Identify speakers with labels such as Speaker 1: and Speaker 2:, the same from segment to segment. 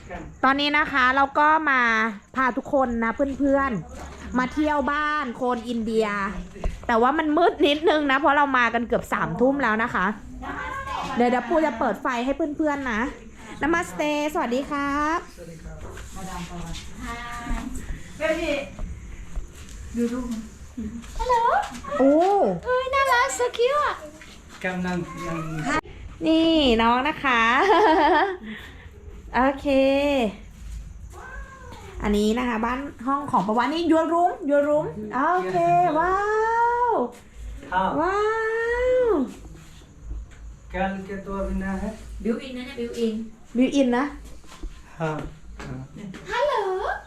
Speaker 1: ตอนนี้นะคะเราก็มาพาทุกคนนะเพื่อนๆมาเที่ยวบ้านโคนอินเดีย แต่ว่ามันมืดนิดนึงนะเพราะเรามากันเกือบ3 ทุ่มแล้วนะคะเดี๋ยวปูจะเปิดไฟให้เพื่อนๆนะนามาสเตสวัสดีครับดูรูปฮัลโหลโอ้เอ้ยน่ารักสกิลอ่ะกำลังนี่น้องนะคะโอเคอันนี้นะคะบ้านห้องของประวัตินี่your roomโอเคว้าวว้าว
Speaker 2: क्या क्या तो अभी ना है
Speaker 3: บิวอินนะเนี่ยบิวอิน
Speaker 1: บิวอินนะ
Speaker 2: हाँ
Speaker 1: ฮัลโหล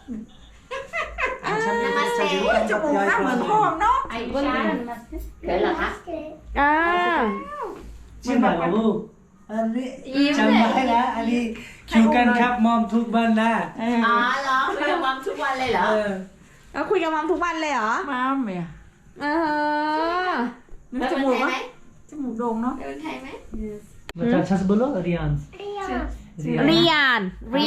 Speaker 2: จมูกหน้าเหมือนพ่อ
Speaker 3: ไอ้ชาเกิดเหรอคะ
Speaker 2: ชิมแบบลูกอันนี้จำได้นะอันนี้คิวกันครับมอมทุกวันนะ
Speaker 3: อ๋อเหรอคุยกับมัมทุกวันเลยเหรอ
Speaker 1: แล้วคุยกับมัมทุกวันเลยเหรอ
Speaker 4: มัมเนี่ย
Speaker 3: จมูกไหม
Speaker 4: จมูกโด่งเนาะ
Speaker 3: เป็นไทยไหม
Speaker 2: बच्चा अच्छा से बोलो Riyan
Speaker 1: Rian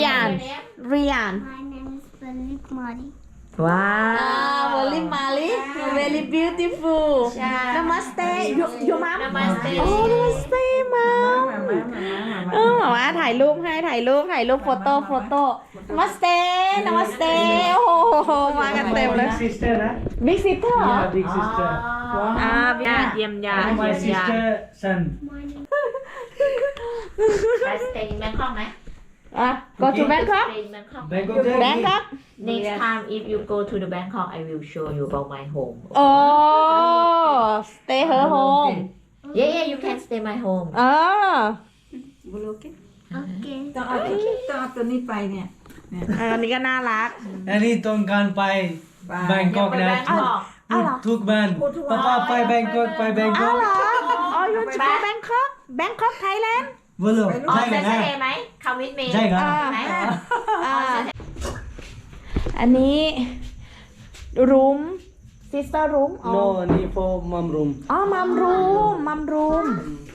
Speaker 5: My name is Philip Mari.
Speaker 1: ว้าว very Mali very beautiful Namaste your mom
Speaker 3: Namaste
Speaker 1: โอ้ Namaste mom บอกว่าถ่ายรูปให้ถ่ายรูปโฟโต้Namaste โอ้โหมากันเต็มเลย
Speaker 2: Big sister นะ
Speaker 1: Big sister เหรอ
Speaker 2: Yeah big sister
Speaker 1: เยี่ยมยา
Speaker 2: My sister son
Speaker 3: ไปสเตย์in Bangkok ไหม
Speaker 1: go to Bangkok
Speaker 3: Stay in Bangkok
Speaker 1: Bangkok
Speaker 3: next time if you go to the Bangkok I will show you about my home
Speaker 1: stay her home
Speaker 3: yeah you can stay my home
Speaker 4: บุรุษ
Speaker 5: Okay.
Speaker 4: ต้องเอาตัวนี้ไปเนี่ย
Speaker 1: อันนี้ก็น่ารัก
Speaker 2: อันนี้ต้องการไปแบงกอกนะ ทุกวันป้าไปแบงกอกไปแบงกอก
Speaker 1: อ๋อ you to go Bangkok Thailand
Speaker 2: บุรุษ
Speaker 3: อ๋อ
Speaker 2: ใช่
Speaker 3: เซ
Speaker 2: กัน
Speaker 3: น
Speaker 2: นะ
Speaker 3: เซไหม come with me
Speaker 2: ใช่ครับ
Speaker 3: ไหม
Speaker 1: อันนี้รูม sister room
Speaker 2: No นี่ for mom room
Speaker 1: อ๋อ mom room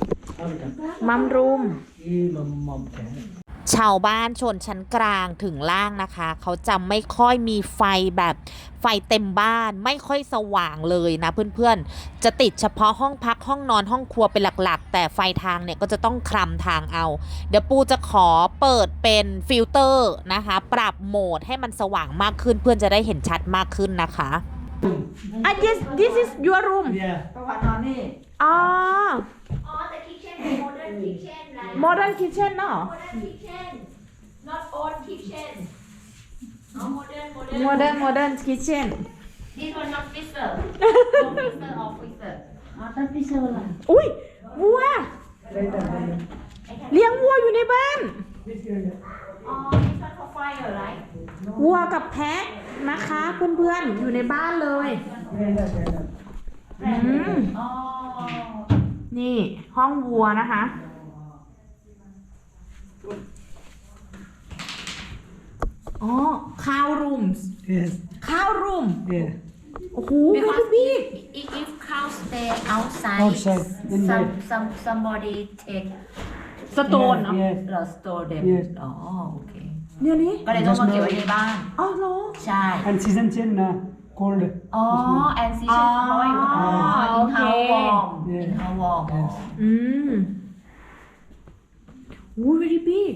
Speaker 2: อีมอมแก
Speaker 1: ชาวบ้านชนชั้นกลางถึงล่างนะคะเขาจะไม่ค่อยมีไฟแบบไฟเต็มบ้านไม่ค่อยสว่างเลยนะเพื่อนๆจะติดเฉพาะห้องพักห้องนอนห้องครัวเป็นหลักๆแต่ไฟทางเนี่ยก็จะต้องคลำทางเอาเดี๋ยวปูจะขอเปิดเป็นฟิลเตอร์นะคะปรับโหมดให้มันสว่างมากขึ้นเพื่อนจะได้เห็นชัดมากขึ้นนะคะthis is your room
Speaker 4: ประวัตินอนนี่
Speaker 1: อ๋อ
Speaker 3: อ๋อแต่ kitchen เป็น modern kitchen นะ
Speaker 1: modern kitchen เนาะ
Speaker 3: modern kitchen not old kitchen อ๋อ
Speaker 1: modern kitchen
Speaker 3: this one not freezer no freezer or freezer อ๋อต้อง freezer ล่ะ
Speaker 1: อุ้ยวัวเลี้ยงวัวอยู่ในบ้าน
Speaker 3: อ๋อ this one for fire right
Speaker 1: วัวกับแพะนะคะเพื่อนๆอยู่ในบ้านเลย
Speaker 3: อ๋อ
Speaker 1: นี่ห้องวัวนะคะอ๋อข้าวรูม
Speaker 2: Yes
Speaker 1: ข้าวรูม
Speaker 2: Yeah
Speaker 1: โอ้โห
Speaker 3: because
Speaker 1: big
Speaker 3: if cow stay outside
Speaker 2: Outside, in bed.
Speaker 3: somebody take
Speaker 1: สโตนเนาะ
Speaker 2: Yes
Speaker 3: the store them
Speaker 2: Yes
Speaker 3: อ๋อโอเค
Speaker 1: เนี่ยนี่
Speaker 3: ก็เลยต้องมาเก็บไว้ในบ้าน
Speaker 1: อ๋อเหรอ
Speaker 3: ใช่
Speaker 2: and season change นะ cold
Speaker 3: อ๋อ and season เพราะว่าอยู่
Speaker 1: โอเค
Speaker 3: in how warm in how warm
Speaker 1: อืมโอ้ย very big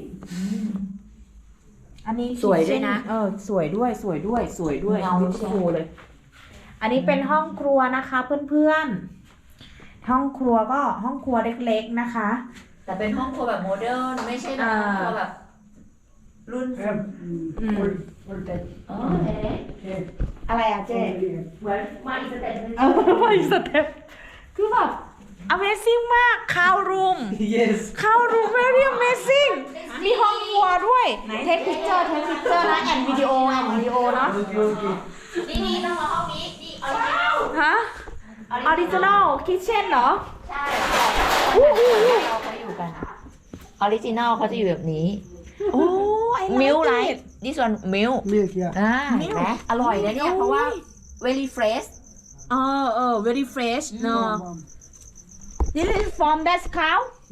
Speaker 1: อันนี้
Speaker 3: สวยด้วยนะ
Speaker 1: สวยด้วย
Speaker 3: เงา
Speaker 1: โคเลย อันนี้เป็นห้องครัวนะคะเพื่อนๆห้องครัวก็ห้องครัวเล็กๆนะคะ
Speaker 3: แต่เป็นห้องครัวแบบโมเดิร์นไม่ใช่แบบห้องครัวแบบรุ่น
Speaker 2: old type
Speaker 3: อ๋อเอ๊ะ
Speaker 1: อะไรอะเจ๊
Speaker 3: มาอีกสเต็ปนึง
Speaker 1: ไปสเต็ปคือแบบ Amazing มากข้าวรูม
Speaker 2: yes
Speaker 1: ข้าวรูม very amazing มีห้องครัวด้วยเทคพิกเจอร์นะแอนวิดีโอเนาะ
Speaker 2: okay
Speaker 3: นี่ต้องมาห้องนี้นี่ออริจินอล
Speaker 1: ฮะ original kitchen เหรอ
Speaker 3: ใช่เขาอยู่กันออริจินอลเขาจะอยู่แบบนี้
Speaker 1: โอ้ I like
Speaker 3: มิลไร
Speaker 1: it
Speaker 3: this one มิล
Speaker 2: milk yeah
Speaker 3: เห็นไหมอร่อยนะเนี่ยเพราะว่า very fresh
Speaker 1: very fresh เนาะ this is from that cow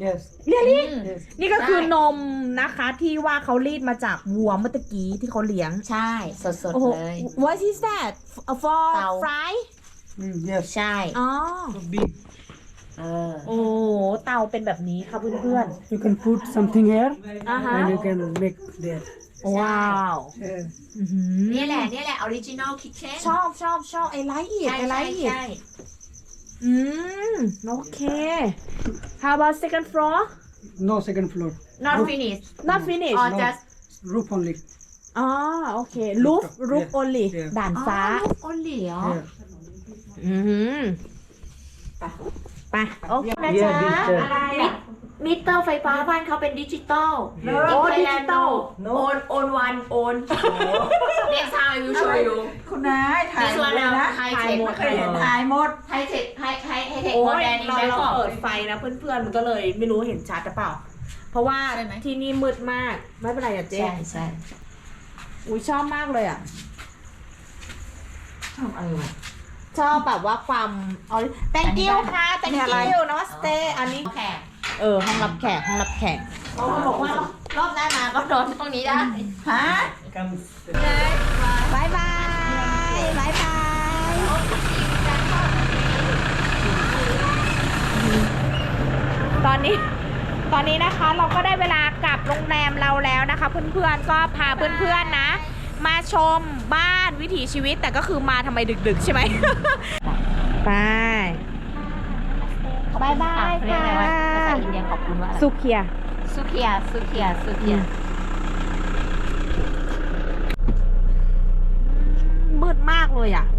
Speaker 2: Yes.
Speaker 1: เรียลี่
Speaker 2: Yes.
Speaker 1: นี่ก็คือนมนะคะที่ว่าเขารีดมาจากวัวเมื่อตะกี้ที่เขาเลี้ยง
Speaker 3: ใช่สด
Speaker 1: โอ้โห
Speaker 3: ๆเลย
Speaker 1: what is that for
Speaker 3: เตา
Speaker 1: fry
Speaker 2: Yes.
Speaker 3: ใช่
Speaker 1: อ๋อ
Speaker 2: So big.
Speaker 1: โอ้โหเตาเป็นแบบนี้ค่ะเพื่อน
Speaker 2: You can put something here,
Speaker 1: ๆอ่าฮะ
Speaker 2: and you can make there.
Speaker 1: ว้าว
Speaker 2: Yes.
Speaker 1: อื้อหือ
Speaker 3: นี่แหละออริจินอลคิทเช่น
Speaker 1: ชอบไอไลท์อีก
Speaker 3: ใช่
Speaker 1: ไอไล
Speaker 3: ใช่
Speaker 1: ท์อีก
Speaker 3: ใช่
Speaker 1: อืมโอเค how about second floor
Speaker 2: No second floor.
Speaker 3: not finished
Speaker 1: not finished
Speaker 3: or
Speaker 2: No.
Speaker 3: just
Speaker 2: Roof only.
Speaker 1: อ๋อโอเค roof roof
Speaker 2: Yeah.
Speaker 1: only
Speaker 2: Yeah.
Speaker 1: ด่านฟ้า
Speaker 3: โอเหลียว
Speaker 2: Yeah.
Speaker 1: อืมไปโอเคนะ
Speaker 2: Yeah,
Speaker 1: จ๊ะ
Speaker 2: digital.
Speaker 3: มิเตอร์ไฟฟ้าบ้านเขาเป็นดิจิตอล
Speaker 1: โอ้ดิจิตอล
Speaker 3: โอนวันโอน next time I will show you
Speaker 4: คุณนายถ่าย
Speaker 3: this
Speaker 4: หมด
Speaker 3: one
Speaker 4: เลยนะ
Speaker 3: ไฮเทค
Speaker 4: ไม่เคยเห็นถ่ายหมด
Speaker 3: ไฮเทคไฮเทค
Speaker 1: โอ้
Speaker 3: โม
Speaker 1: ย
Speaker 3: เดลใน
Speaker 1: เรา
Speaker 3: แบง
Speaker 1: เรา
Speaker 3: คอก
Speaker 1: เปิดไฟนะเพื่อนๆมันก็เลยไม่รู้เห็นชัดหรือเปล่า เพราะว่า
Speaker 3: ใช่ไหม
Speaker 1: ที่นี่มืดมาก ไม่เป็นไรอ่ะเจ๊
Speaker 3: ใช่ใช่
Speaker 1: อุ้ยชอบมากเลยอ่ะ
Speaker 3: ชอบอะไรวะ
Speaker 1: ชอบแบบว่าความthank you ค่ะ thank
Speaker 4: นี่อะไร
Speaker 1: you namaste อันนี้
Speaker 3: แขก
Speaker 1: ห้องรับแขกห้องรับแขก
Speaker 3: เขาบอกว่ารอบหน้ามาก็นอนตรงนี้ได้
Speaker 4: ฮะ
Speaker 2: Come.
Speaker 1: บายบายบายบายตอนนี้นะคะเราก็ได้เวลากลับโรงแรมเราแล้วนะคะ เพื่อนๆก็พาเพื่อนๆนะ มาชมบ้านวิถีชีวิตแต่ก็คือมาทำไมดึกๆใช่ไหม ไปบายบาย
Speaker 3: เรียก
Speaker 1: ค่ะ
Speaker 3: อะไรวะภาษาอินเดียขอบคุณว่าอะไร
Speaker 1: สุเคีย
Speaker 3: สุเคียสุเคียสุเคีย
Speaker 1: มืดมากเลยอ่ะ